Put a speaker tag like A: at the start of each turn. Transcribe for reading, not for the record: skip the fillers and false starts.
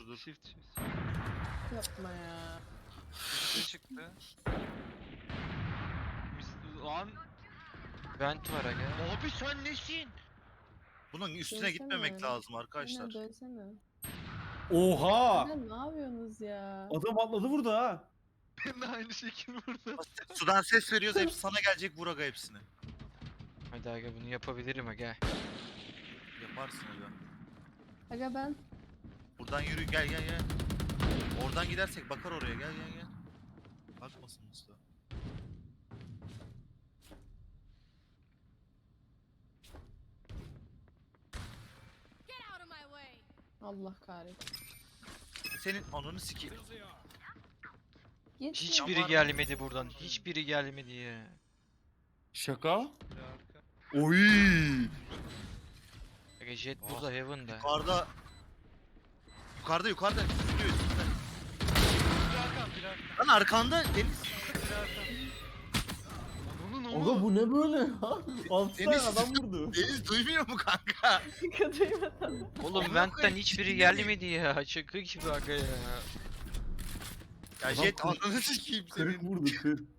A: dur.
B: Shift shift.
C: Yapma ya.
B: Üstüne çıktı. Lan
D: Vent var aga.
B: abi sen nesin?
A: Bunun üstüne
C: Dönsene.
A: gitmemek lazım arkadaşlar.
C: Aynen dönsene.
E: Oha!
C: Aynen ne yapıyorsunuz ya?
E: Adam atladı burada ha.
B: Ben de aynı şekil burada.
A: Sudan ses veriyoruz, hepsi sana gelecek, vur aga hepsini.
D: Hadi aga bunu yapabilirim aga.
A: Yaparsın aga.
C: Aga ben
A: Buradan yürü, gel gel gel. Oradan gidersek bakar oraya, gel gel gel. Bakmasın usta.
F: Get out of my way.
C: Allah kahretsin.
A: Senin ananı sikeyim.
C: Git.
D: Hiçbiri
A: Ama-
D: gelmedi buradan. Hiçbiri gelmedi ya.
E: Şaka?
B: Bir arka.
E: Oy!
D: Aga Jet
A: Ah,
D: burada Heaven'da.
A: Yukarıda. Yukarıda. Sürüyor üstünde.
B: Bir arka. Bir arka.
A: Lan arkanda Deniz.
B: Bir arka. Onun
E: Aga bu ne böyle ya? 6 tane
A: Deniz-
E: adam vurdu.
A: Deniz duymuyor mu kanka?
C: Duymadım.
D: Oğlum Vent'ten hiçbiri gelmedi ya. Şaka gibi aga ya.
A: Ya
E: Adam
A: Jet
E: kırk-
A: ananı sikeyim
E: 40
A: senin.
E: vurdu 40.